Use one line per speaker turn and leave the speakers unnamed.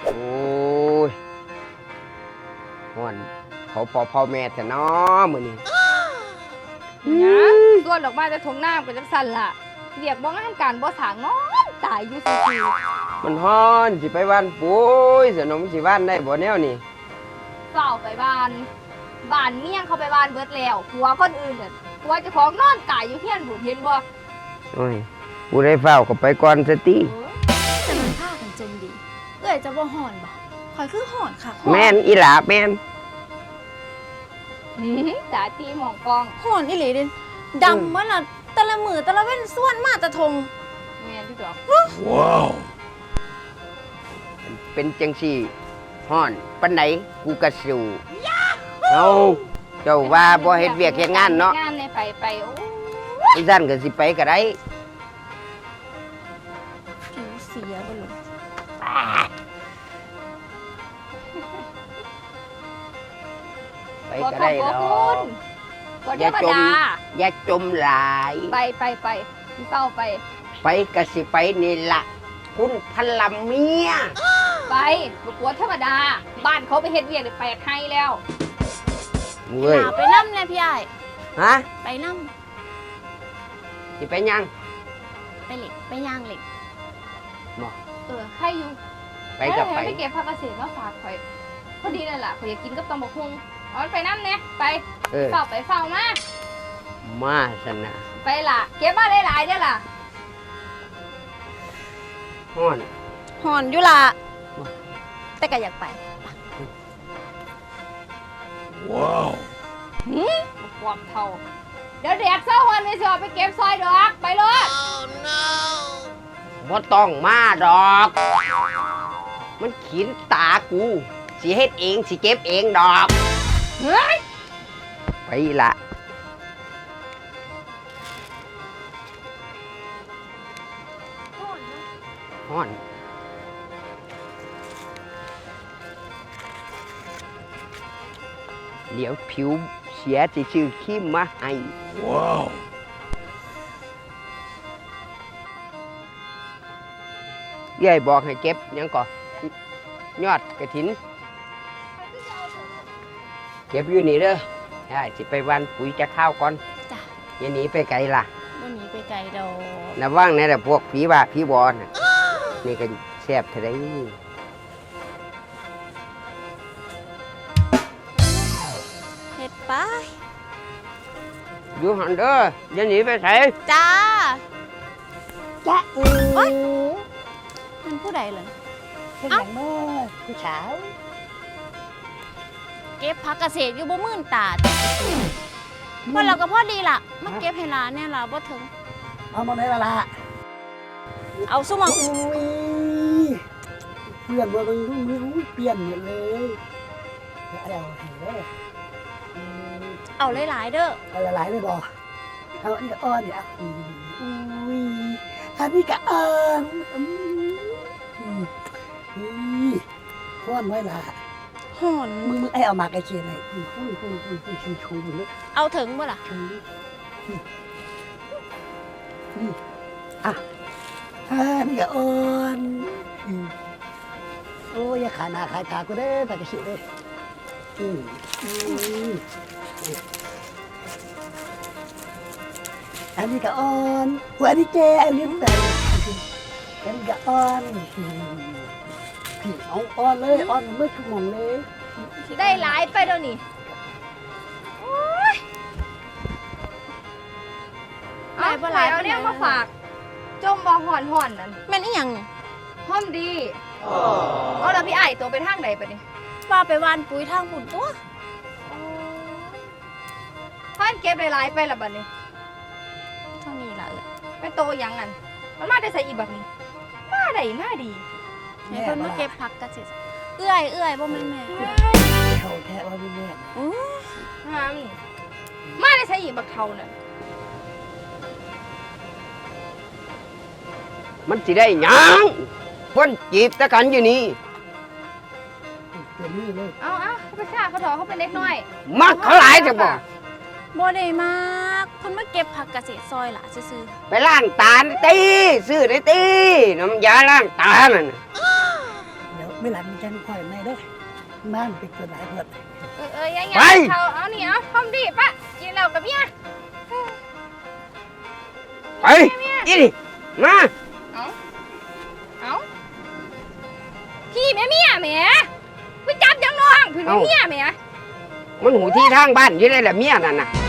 โอ้ยฮ้อนเขาพ่อแม่แต่น้อมื้อนี้
เนี่ยส่วนดอกไม้จะทงหน้าเป็นจังซั่นล่ะเรียกบ่งานการบ่สางงอนตายอยู่ซื่อ
มันฮ้อนสิไปบ้านปุ้ยสนมสิบ้านได้บ่แนวนี่
ๆเฝ้าไปบ้านเมี่ยงเขาไปบ้านเบิดแล้วผัวคนอื่นน่ะผัวเจ้าของนอนตายอยู่เฮียนบุญเห็นบ่
โอ้ยผู้ได้เฝ้าก็ไปก่อนซะติ
แต่มันพากันจมดีเอ้ยจะบ่ห่อนบ่คอยคือห่อนค่ะ
แม่นอีหลาแม่น
ตาตีหมองกอง
ห่อนอีหลีเด่นดำมันละแต่ละมือแต่ละเว้นส่วนมาแต่ทง
แม่นที่ดอก
เป็นจังซี่ฮ้อนปานไหนกูก็สู้เอาเจ้าว่าบ่เฮ็ดเวียกเฮ็ดงานเนาะ
งานในไปโอ้
อีซั่นก็สิไปก็ได้
ผิวเสียบ่ลง
ไปก็ได้ดอก
บ่ธรรมดา
อย่าจมหลาย
ไปที่เฝ้าไป
ไปก็สิไปนี่ล่ะคุณพลัมเมีย
ไปบ่กลัวธรรมดา บ้านเขาไปเฮ็ดเวียกได้แปลกให้แล้ว
เว้ย
หาไปนั่เลยพี่ไอ้าย
ฮะ
ไปนั่
สิไปยัง
ไปเหล็กไปย่างเหล็ก
ใครอยู่
ไปก็ไป
ไปเก็บผักเกษตรมาฝากข่อยพอดีนั่นล่ะข่อยอยากกินกับตำบักหุ่งเอามันไปนั่นเนี่ยไป
เออ
เฝ้าไปเฝ้ามา
มาสนะ
ไปล่ะ เก็บมาหลายๆเด้อล่ะ
ฮ้อน
ห่อนอยู่ละแต่ก็อยากไป
ความเท่าเดี๋ยวแดดเศร้าวันไปสิออกไปเก็บซอยดอกไปเลย
บ่ต้องมาดอก มันขีนตากูสิเฮ็ดเองสิเก็บเองดอก
เฮ้ย
ไปละฮ้อน เดี๋ยวผิวเสียสิซื้อครีมมาให้ว้าวยายบอกให้เก็บหยังก่อยอดกระถิน เก็บอยู่นี่เด้อได้สิไปวันปุ๋ยจะข้าวก่อน
จ้ะ
อย่าหนีไปไกลล่ะ
วันนี้ไปไกลดอก
ระวังนะแต่พวกผีบ้าผีบอลน่ะนี่ก็แซ่บเท่าไร
เฮ็ดไป
อยู่หันเด้ออย่าหนีไปไส
จ้า
จ้า
โอ๊ย มันผู้ใดเหรอ
เป็นอย่างน้อยผู้สาว
เก็บผักเกษตรอยู่บ่มื่นตาแต่พอเราก็พอดีล่ะมาเก็บให้หลานเนี่ยล่ะบ่ถึง
เอามาไหนละ
เอาซุมอง
อุ้ยเปลี่ยนมาเป็นมือเปลี่ยนหมดเลยเอาเห็นแล้ว
เอาหลายๆเด้อ
เอาหลายเลยบ่เอาอันนี้อ่อนเนี่ยอุ้ยอันนี้ก็อ่อนห้อนไว้ละ
ห่อน
มึงไอเอามาไกลเคียงเลยชูเลย
เอาถึงบ่ล่ะ
ชูอ่ะอันนี้ก็อ่อนโอ้ยขาหน้าขาตากูได้แต่กระชิเลยอันนี้ก็อ่อนหัวนี่แกอันนี้แต่อันนี้ก็อ่อนพี่เอาอ่อนเลยอ่อนเมื่อชั่วโมงเลย
ได้หลายไปเดี๋ยวนี้โอ๊ย
ได้บ่หลาย
เอาเนี่ยมาฝาก จมบ่ห่อนนั่น
แม่นอีหยังนี่
ห้อมดีเอาแล้วพี่ไอ้ตัวไปทางใดปะนี่
ว่าไปหวานปุ๋ยทางปุ่นตัว
พันเก็บหลายๆไปละบัดนี้
เท่านี้ล่ะเอ้ย
เป็นโตหยังงั้นมันมาได้ใส่อีแบบนี้ มาได้มาดี
ให้เพิ่นมาเก็บผักเกษตรเอื้อยบ่แม่นแม่
เขาแท้ว่าพี่แม่
อื้อ
ห้ามมาได้ใส่อีบักเท่านั่น
มันสิได้หยังคนจีบตะกันอยู่นี่
เปลี่ยนนี่เลย
เอาเขาไปฆ่าเขาถอเขาเป็นเด็กน้อย
มักเขาหลายจะบอก
บ่ได้มากเพิ่นมาเก็บผักเกษตรซอยล่ะซื่อ
ไปล้างตาตีซื้อได้ตีน้ำยาล้างตานั่นน่ะ
เดี๋ยวไม่หลังจังคอยไม่เด้อบ้านเป็นตัวไหนเพิ่น
ยังไง
ไป
เขาเอานี่เอาทำดิปะกินเหล้ากับเมีย
ไปอีนี่มา
เอาพี่แม่เมียแหม่ไปจับยังน้องพี่แม่เมียแหม่
มันหูที่ทางบ้านอยู่เลยแหละเมียนั่นน่ะ